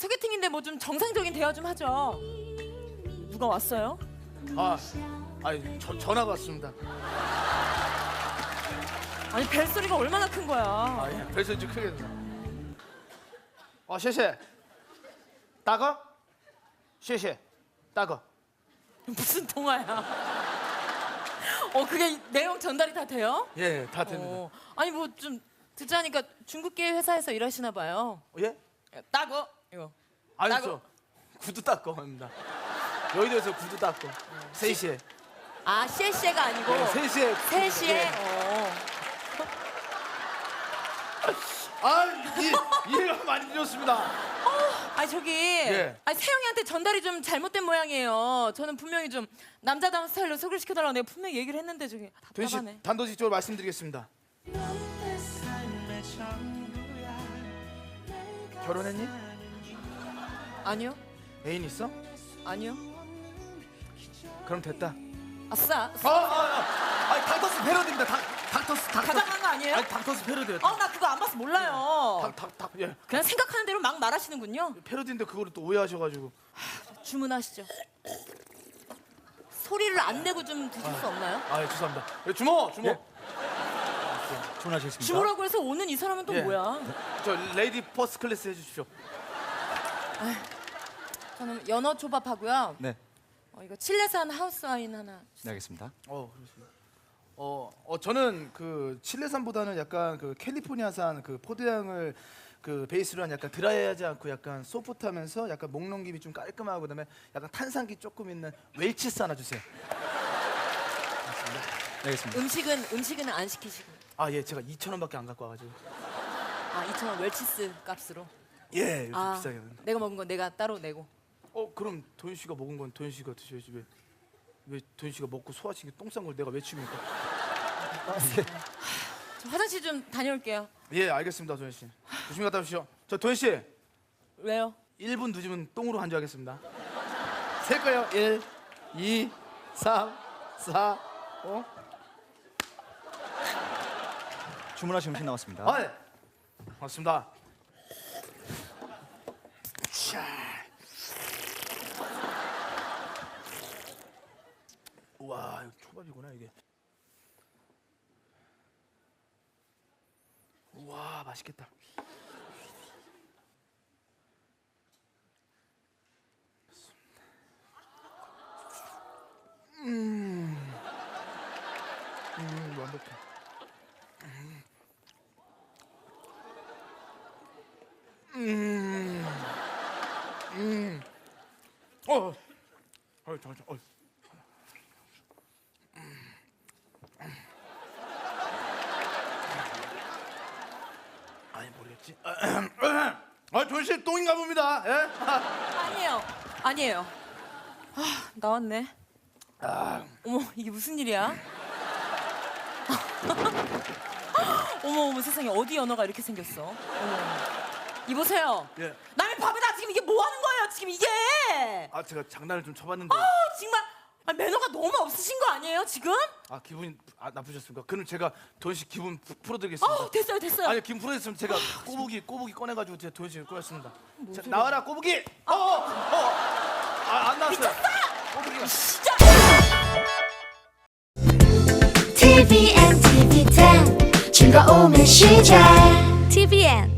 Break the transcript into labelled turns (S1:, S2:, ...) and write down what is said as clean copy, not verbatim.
S1: 소개팅인데 뭐 좀 정상적인 대화 좀 하죠. 누가 왔어요?
S2: 전화가 왔습니다.
S1: 아니 벨소리가 얼마나 큰 거야.
S2: 벨소리 좀 크게 된다. 谢谢大哥谢谢大哥
S1: 무슨 통화야? 그게 내용 전달이 다 돼요?
S2: 예, 다 됩니다.
S1: 아니 뭐 좀 듣자니까 중국계 회사에서 일하시나 봐요.
S2: 예?
S1: 따거 이거.
S2: 아니
S1: 따거.
S2: 저 구두 닦고 합니다. 여의도에서 구두 닦고 3시에.
S1: 아 씨에가 아니고
S2: 네, 3시에.
S1: 3시에.
S2: 예. 이해가 많이 되었습니다.
S1: 아니 저기
S2: 예.
S1: 아니 세영이한테 전달이 좀 잘못된 모양이에요. 저는 분명히 좀 남자다운 스타일로 소개를 시켜달라고 내가 분명히 얘기를 했는데 저기 답답하네.
S2: 도현 씨 단도직입적으로 말씀드리겠습니다. 결혼했니?
S1: 아니요.
S2: 애인 있어?
S1: 아니요.
S2: 그럼 됐다.
S1: 아싸.
S2: 아니 닥터스 패러디입니다. 닥터스.
S1: 가장한 거 아니에요?
S2: 아니 닥터스 패러디예요.
S1: 나 그거 안 봐서 몰라요.
S2: 예.
S1: 그냥 생각하는 대로 막 말하시는군요.
S2: 패러디인데 그거를 또 오해하셔가지고.
S1: 주문하시죠. 소리를 안 내고 좀 드실 수 없나요?
S2: 예, 죄송합니다. 예, 주모.
S3: 예. 주문하셨습니까?
S1: 주문하고 해서 오는 이 사람은 또
S2: 예.
S1: 뭐야?
S2: 저 레이디 퍼스트 클래스 해주십시오.
S1: 저는 연어 초밥하고요.
S3: 네,
S1: 이거 칠레산 하우스 와인 하나.
S3: 네 알겠습니다.
S2: 그렇습니다. 저는 그 칠레산보다는 약간 그 캘리포니아산 그 포도향을 그 베이스로 한 약간 드라이하지 않고 약간 소프트하면서 약간 목 넘김이 좀 깔끔하고 그다음에 약간 탄산기 조금 있는 웰치스 하나 주세요.
S3: 네, 알겠습니다.
S1: 음식은 안 시키시고.
S2: 예, 제가 2,000원밖에 안 갖고 와가지고.
S1: 2,000원 웰치스 값으로.
S2: 예, 요즘 비싸게.
S1: 내가 먹은 건 내가 따로 내고.
S2: 그럼 도현 씨가 먹은 건 도현 씨가 드셔야지 왜 도현 씨가 먹고 소화시킨 똥 싼 걸 내가 왜 치입니까?
S1: 저 화장실 좀 다녀올게요.
S2: 예, 알겠습니다, 도현 씨. 조심히 갔다 오십시오. 저 도현 씨
S1: 왜요?
S2: 1분 늦으면 똥으로 한주하겠습니다. 셀 거예요. 1, 2, 3, 4, 5.
S3: 주문하신 음식 나왔습니다.
S2: 네. 맞습니다. 자. 우와, 이거 초밥이구나 이게. 우와, 맛있겠다. 완벽해. 잠깐. 아니 모르겠지. 도현 씨 똥인가 봅니다. 예?
S1: 아니에요. 나왔네. 어머 이게 무슨 일이야? 어머 세상에 어디 연어가 이렇게 생겼어? 어머. 이보세요.
S2: 예.
S1: 남의 밥에다 지금 이게 뭐 하는 거예요? 지금 이게?
S2: 제가 장난을 좀 쳐봤는데.
S1: 정말 매너가 너무 없으신 거 아니에요 지금?
S2: 기분이 나쁘셨습니까? 그럼 제가 도현 씨 기분 풀어드리겠습니다.
S1: 됐어요.
S2: 아니 기분 풀어드렸으면 제가 꼬부기 꺼내가지고 제가 도현 씨 꺼냈습니다. 자,
S1: 소리야?
S2: 나와라 꼬부기. 안 나왔어요. 꼬부기가.
S1: 진짜.
S4: TVN, TV10 즐거움의 시작 TVN